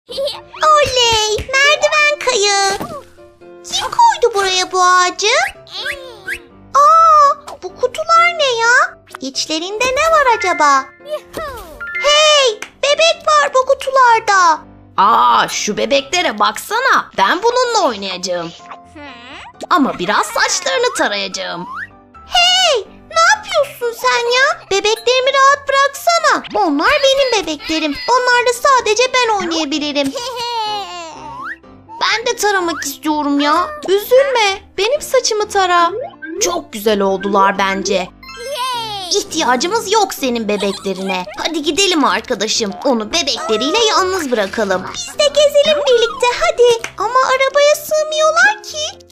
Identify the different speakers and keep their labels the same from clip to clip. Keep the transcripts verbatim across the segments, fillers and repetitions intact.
Speaker 1: Oley! Merdiven kayığı. Kim koydu buraya bu ağacı? Aa, bu kutular ne ya? İçlerinde ne var acaba? Hey! Bebek var bu kutularda.
Speaker 2: Aa, şu bebeklere baksana. Ben bununla oynayacağım. Ama biraz saçlarını tarayacağım.
Speaker 1: Hey! Ne yapıyorsun sen ya? Bebeklerimi rahat bıraksana. Onlar benim bebeklerim. Onlarla sadece ben oynayabilirim.
Speaker 2: Ben de taramak istiyorum ya. Üzülme. Benim saçımı tara. Çok güzel oldular bence. İhtiyacımız yok senin bebeklerine. Hadi gidelim arkadaşım. Onu bebekleriyle yalnız bırakalım.
Speaker 1: Biz de gezelim birlikte hadi. Ama arabaya sığmıyorlar ki.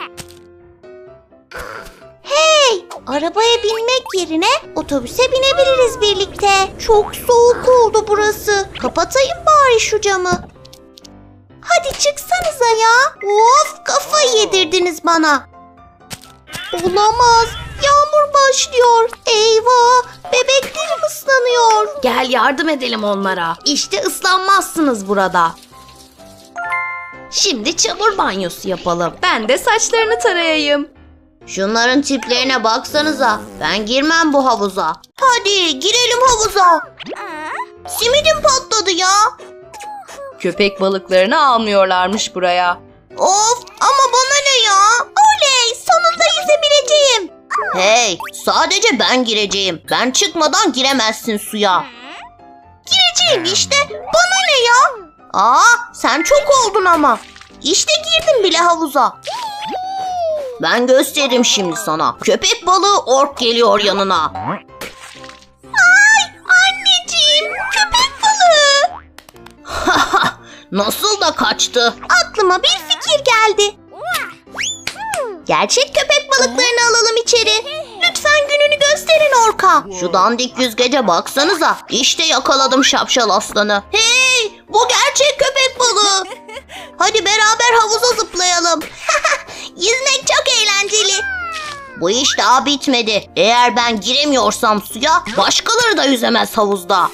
Speaker 1: Hey! Arabaya binmek yerine otobüse binebiliriz birlikte. Çok soğuk oldu burası. Kapatayım bari şu camı. Hadi çıksanıza ya. Of, kafayı yedirdiniz bana. Olamaz. Yağmur başlıyor. Eyvah! Bebeklerim ıslanıyor.
Speaker 2: Gel yardım edelim onlara. İşte ıslanmazsınız burada. Şimdi çamur banyosu yapalım. Ben de saçlarını tarayayım.
Speaker 1: Şunların tiplerine baksanıza. Ben girmem bu havuza. Hadi girelim havuza. Simidim patladı ya.
Speaker 2: Köpek balıklarını almıyorlarmış buraya.
Speaker 1: Of, ama bana ne ya? Oley, sonunda yüzebileceğim. Hey, sadece ben gireceğim. Ben çıkmadan giremezsin suya. Gireceğim işte. Bana ne ya? Aa, sen çok oldun ama. İşte girdim bile havuza. Ben gösteririm şimdi sana. Köpek balığı ork geliyor yanına. Ay, anneciğim, köpek balığı. Nasıl da kaçtı? Aklıma bir fikir geldi. Gerçek köpek balıklarını alalım içeri. Lütfen gününü gösterin orka. Şu dandik yüzgece baksanıza. İşte yakaladım şapşal aslanı. Hey, bu gerçek köpek balığı. Hadi beraber havuza zıplayalım. Yüzmek çok eğlenceli. Bu iş daha bitmedi. Eğer ben giremiyorsam suya, başkaları da yüzemez havuzda.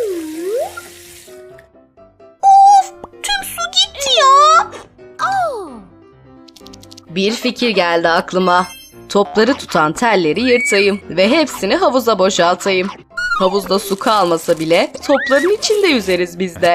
Speaker 1: Of, tüm su gitti ya.
Speaker 2: Bir fikir geldi aklıma. Topları tutan telleri yırtayım ve hepsini havuza boşaltayım. Havuzda su kalmasa bile topların içinde yüzeriz biz de.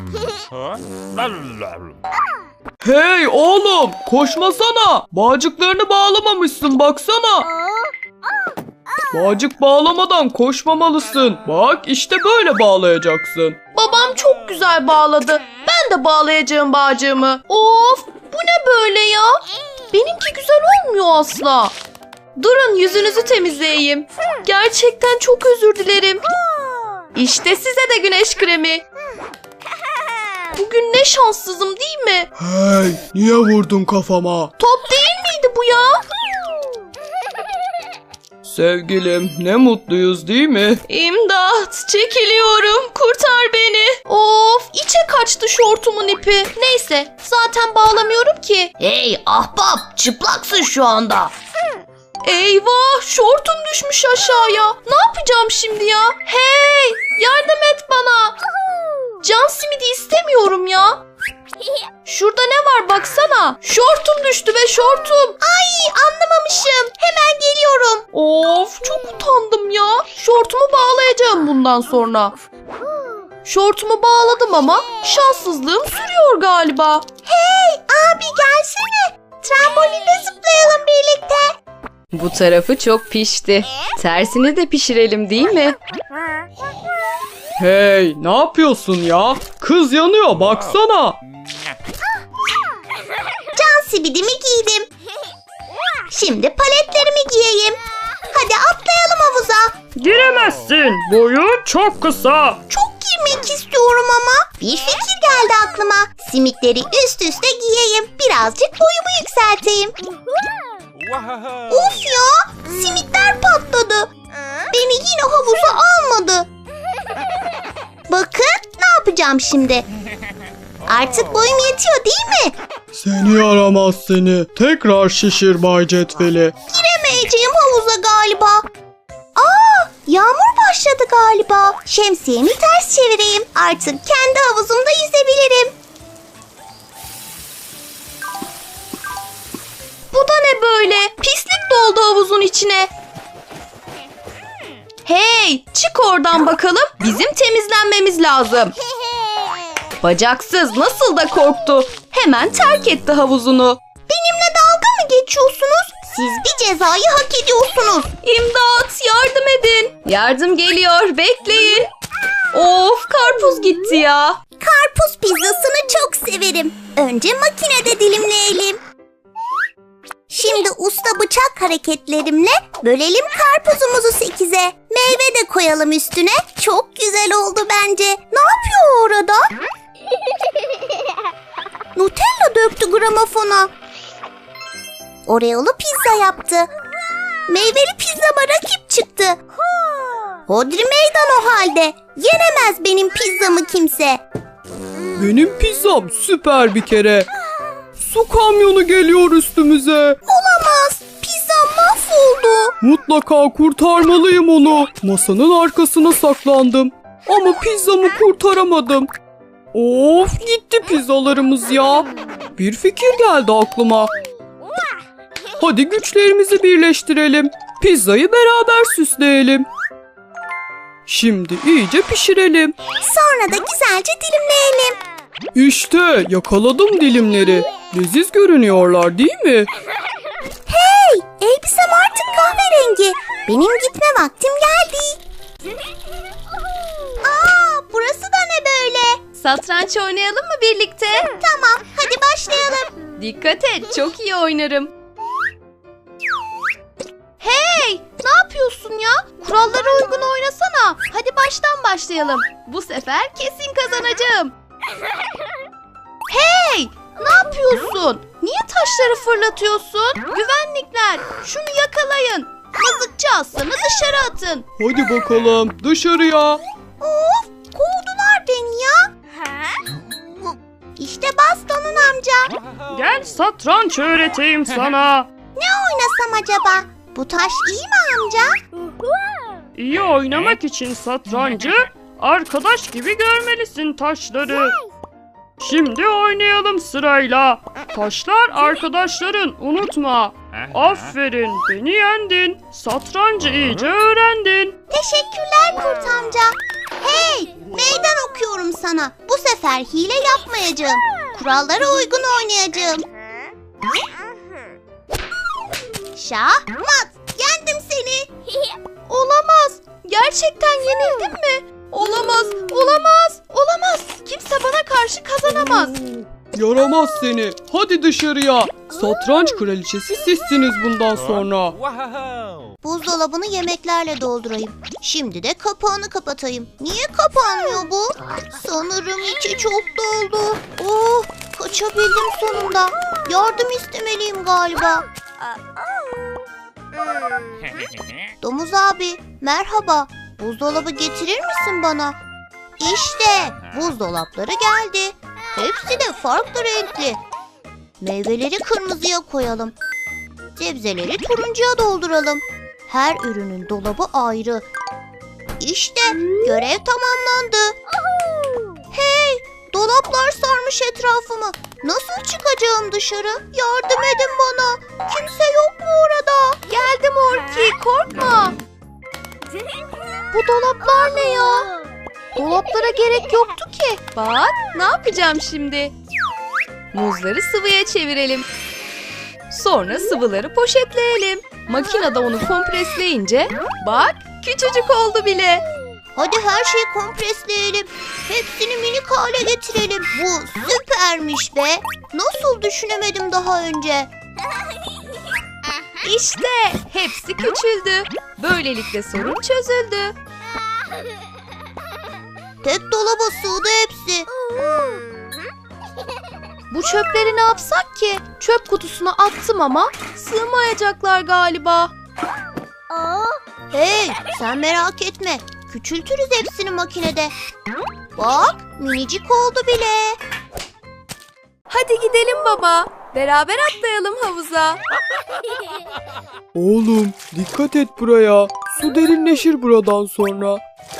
Speaker 3: Hey oğlum, koşmasana. Bağcıklarını bağlamamışsın baksana. Bağcık bağlamadan koşmamalısın. Bak işte böyle bağlayacaksın.
Speaker 2: Babam çok güzel bağladı. Ben de bağlayacağım bağcığımı. Of, bu ne böyle ya? Benimki güzel olmuyor asla. Durun, yüzünüzü temizleyeyim. Gerçekten çok özür dilerim. İşte size de güneş kremi. Bugün ne şanssızım değil mi?
Speaker 3: Hey, niye vurdun kafama?
Speaker 2: Top değil miydi bu ya?
Speaker 3: Sevgilim, ne mutluyuz değil mi?
Speaker 2: İmdat, çekiliyorum. Kurtar beni. Of, içe kaçtı şortumun ipi. Neyse, zaten bağlamıyorum ki.
Speaker 1: Hey ahbap, çıplaksın şu anda.
Speaker 2: Eyvah, şortum düşmüş aşağıya. Ne yapacağım şimdi ya? Hey, yardım et bana. Can simidi istemiyorum ya. Şurada ne var baksana. Şortum düştü be, şortum.
Speaker 1: Ay, anlamamışım. Hemen geliyorum.
Speaker 2: Of, çok utandım ya. Şortumu bağlayacağım bundan sonra. Şortumu bağladım ama şanssızlığım sürüyor galiba.
Speaker 1: Hey abi, gelsene. Trambolinde zıplayalım birlikte.
Speaker 2: Bu tarafı çok pişti. Tersini de pişirelim değil mi?
Speaker 3: Hey, ne yapıyorsun ya? Kız yanıyor baksana.
Speaker 1: Can simidimi giydim. Şimdi paletlerimi giyeyim. Hadi atlayalım havuza.
Speaker 3: Giremezsin. Boyun çok kısa.
Speaker 1: Çok girmek istiyorum ama. Bir fikir geldi aklıma. Simitleri üst üste giyeyim. Birazcık boyumu yükselteyim. Of ya, simitler patladı. Beni yine havuza almadı. Bakın ne yapacağım şimdi. Artık boyum yetiyor değil mi?
Speaker 3: Seni yaramaz seni. Tekrar şişir Bay Cetveli.
Speaker 1: Giremeyeceğim havuza galiba. Aa, Yağmur başladı galiba. Şemsiyemi ters çevireyim. Artık kendi havuzumda yüzebilirim.
Speaker 2: Bu da ne böyle? Pislik doldu havuzun içine. Hey, çık oradan bakalım. Bizim temizlenmemiz lazım. Bacaksız nasıl da korktu. Hemen terk etti havuzunu.
Speaker 1: Benimle dalga mı geçiyorsunuz? Siz bir cezayı hak ediyorsunuz.
Speaker 2: İmdat, yardım edin. Yardım geliyor, bekleyin. Of, karpuz gitti ya.
Speaker 1: Karpuz pizzasını çok severim. Önce makinede dilimleyelim. Şimdi usta bıçak hareketlerimle bölelim karpuzumuzu sekize. Meyve de koyalım üstüne. Çok güzel oldu bence. Ne yapıyor orada? Nutella döktü gramofona. Oreo'lu pizza yaptı. Meyveli pizzama rakip çıktı. Hodri meydan o halde. Yenemez benim pizzamı kimse.
Speaker 3: Benim pizzam süper bir kere. Su kamyonu geliyor üstümüze.
Speaker 1: Olamaz. Pizzam mahvoldu.
Speaker 3: Mutlaka kurtarmalıyım onu. Masanın arkasına saklandım. Ama pizzamı kurtaramadım. Of, gitti pizzalarımız ya. Bir fikir geldi aklıma. Hadi güçlerimizi birleştirelim. Pizzayı beraber süsleyelim. Şimdi iyice pişirelim.
Speaker 1: Sonra da güzelce dilimleyelim.
Speaker 3: İşte yakaladım dilimleri. Leziz görünüyorlar değil mi?
Speaker 1: Hey, elbisem artık kahverengi. Benim gitme vaktim geldi. Aa, burası da ne böyle?
Speaker 2: Satranç oynayalım mı birlikte?
Speaker 1: Tamam, hadi başlayalım.
Speaker 2: Dikkat et, çok iyi oynarım. Hey, ne yapıyorsun ya? Kurallara uygun oynasana. Hadi baştan başlayalım. Bu sefer kesin kazanacağım. Hey, ne yapıyorsun? Niye taşları fırlatıyorsun? Güvenlikler, şunu yakalayın. Mızıkçı aslanı dışarı atın.
Speaker 3: Hadi bakalım dışarıya.
Speaker 1: Of, kovdular beni ya. İşte bastonun amca.
Speaker 3: Gel satranç öğreteyim sana.
Speaker 1: Ne oynasam acaba? Bu taş iyi mi amca?
Speaker 3: İyi oynamak için satrancı arkadaş gibi görmelisin taşları. Şimdi oynayalım sırayla. Taşlar arkadaşların, unutma. Aferin, beni yendin. Satrancı iyice öğrendin.
Speaker 1: Teşekkürler kurt amca. Hey, meydan okuyorum sana. Bu sefer hile yapmayacağım. Kurallara uygun oynayacağım. Şah, mat. Yendim seni.
Speaker 2: Olamaz. Gerçekten yenildim mi? Olamaz, olamaz, olamaz. Kimse bana karşı kazanamaz.
Speaker 3: Yaramaz seni. Hadi dışarıya. Satranç kraliçesi sizsiniz bundan sonra.
Speaker 1: Buzdolabını yemeklerle doldurayım. Şimdi de kapağını kapatayım. Niye kapanmıyor bu? Sanırım içi çok doldu. Oh, kaçabildim sonunda. Yardım istemeliyim galiba. Domuz abi, merhaba. Buzdolabı getirir misin bana? İşte buzdolapları geldi. Hepsi de farklı renkli. Meyveleri kırmızıya koyalım. Sebzeleri turuncuya dolduralım. Her ürünün dolabı ayrı. İşte görev tamamlandı. Hey, dolaplar sarmış etrafımı. Nasıl çıkacağım dışarı? Yardım edin bana. Kimse yok mu orada?
Speaker 2: Geldim Orki, korkma. Bu dolaplar ne ya? Dolaplara gerek yoktu ki. Bak, ne yapacağım şimdi? Muzları sıvıya çevirelim. Sonra sıvıları poşetleyelim. Makinede onu kompresleyince bak küçücük oldu bile.
Speaker 1: Hadi her şeyi kompresleyelim. Hepsini minik hale getirelim. Bu süpermiş be. Nasıl düşünemedim daha önce?
Speaker 2: İşte hepsi küçüldü. Böylelikle sorun çözüldü.
Speaker 1: Tek dolaba sığdı hepsi.
Speaker 2: Bu çöpleri ne yapsak ki? Çöp kutusuna attım ama sığmayacaklar galiba.
Speaker 1: Hey, sen merak etme. Küçültürüz hepsini makinede. Bak, minicik oldu bile.
Speaker 2: Hadi gidelim baba. Beraber atlayalım havuza.
Speaker 3: Oğlum dikkat et buraya. Su derinleşir buradan sonra.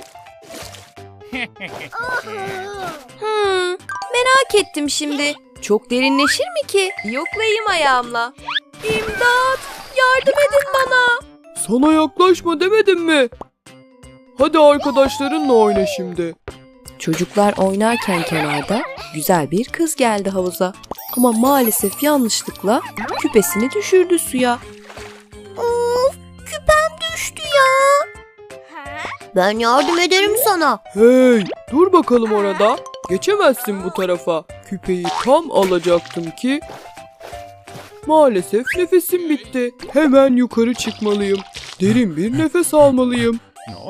Speaker 2: Hmm, merak ettim şimdi. Çok derinleşir mi ki? Yoklayayım ayağımla. İmdat! Yardım edin bana.
Speaker 3: Sana yaklaşma demedim mi? Hadi arkadaşlarınla oyna şimdi.
Speaker 2: Çocuklar oynarken kenarda güzel bir kız geldi havuza. Ama maalesef yanlışlıkla küpesini düşürdü suya.
Speaker 1: Of, küpem düştü ya. Ben yardım ederim sana.
Speaker 3: Hey, dur bakalım orada. Geçemezsin bu tarafa. Küpeyi tam alacaktım ki... Maalesef nefesim bitti. Hemen yukarı çıkmalıyım. Derin bir nefes almalıyım.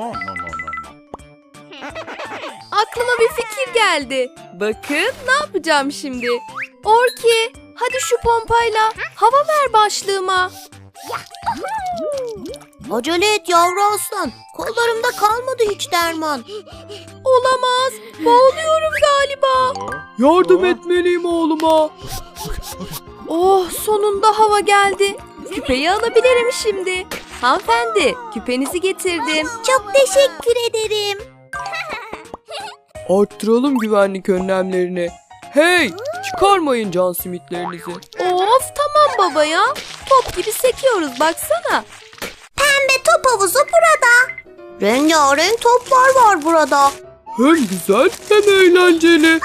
Speaker 2: Aklıma bir fikir geldi. Bakın ne yapacağım şimdi. Orki, hadi şu pompayla hava ver başlığıma.
Speaker 1: Acele et yavru aslan. Kollarımda kalmadı hiç derman.
Speaker 2: Olamaz, boğuluyorum galiba.
Speaker 3: Yardım etmeliyim oğluma.
Speaker 2: Oh, sonunda hava geldi. Küpeyi alabilirim şimdi. Hanımefendi, küpenizi getirdim.
Speaker 1: Çok teşekkür ederim.
Speaker 3: Arttıralım güvenlik önlemlerini. Hey, çıkarmayın can simitlerinizi.
Speaker 2: Of, tamam baba ya. Top gibi sekiyoruz baksana.
Speaker 1: Pembe top havuzu burada. Rengarenk toplar var burada.
Speaker 3: Hem güzel hem eğlenceli.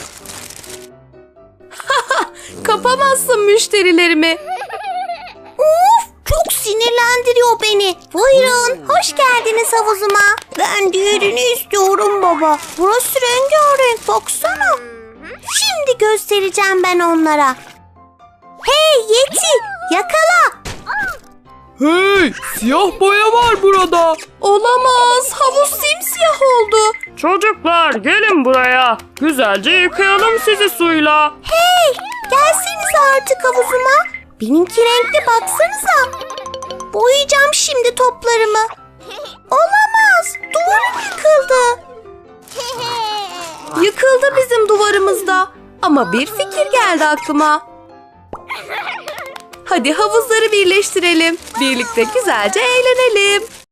Speaker 2: Kapamazsın müşterilerimi.
Speaker 1: Of, çok sinirlendiriyor beni. Buyurun, hoş geldiniz havuzuma. Ben diğerini istiyorum baba. Burası rengarenk, baksana. Şimdi göstereceğim ben onlara. Hey Yeti, yakala.
Speaker 3: Hey, siyah boya var burada.
Speaker 2: Olamaz, havuz simsiyah oldu.
Speaker 4: Çocuklar gelin buraya. Güzelce yıkayalım sizi suyla.
Speaker 1: Hey, gelsenize artık havuzuma. Benimki renkli, baksanıza. Boyayacağım şimdi toplarımı. Olamaz, duvarım yıkıldı.
Speaker 2: Yıkıldı bizim duvarımızda. Ama bir fikir geldi aklıma. Hadi havuzları birleştirelim. Birlikte güzelce eğlenelim.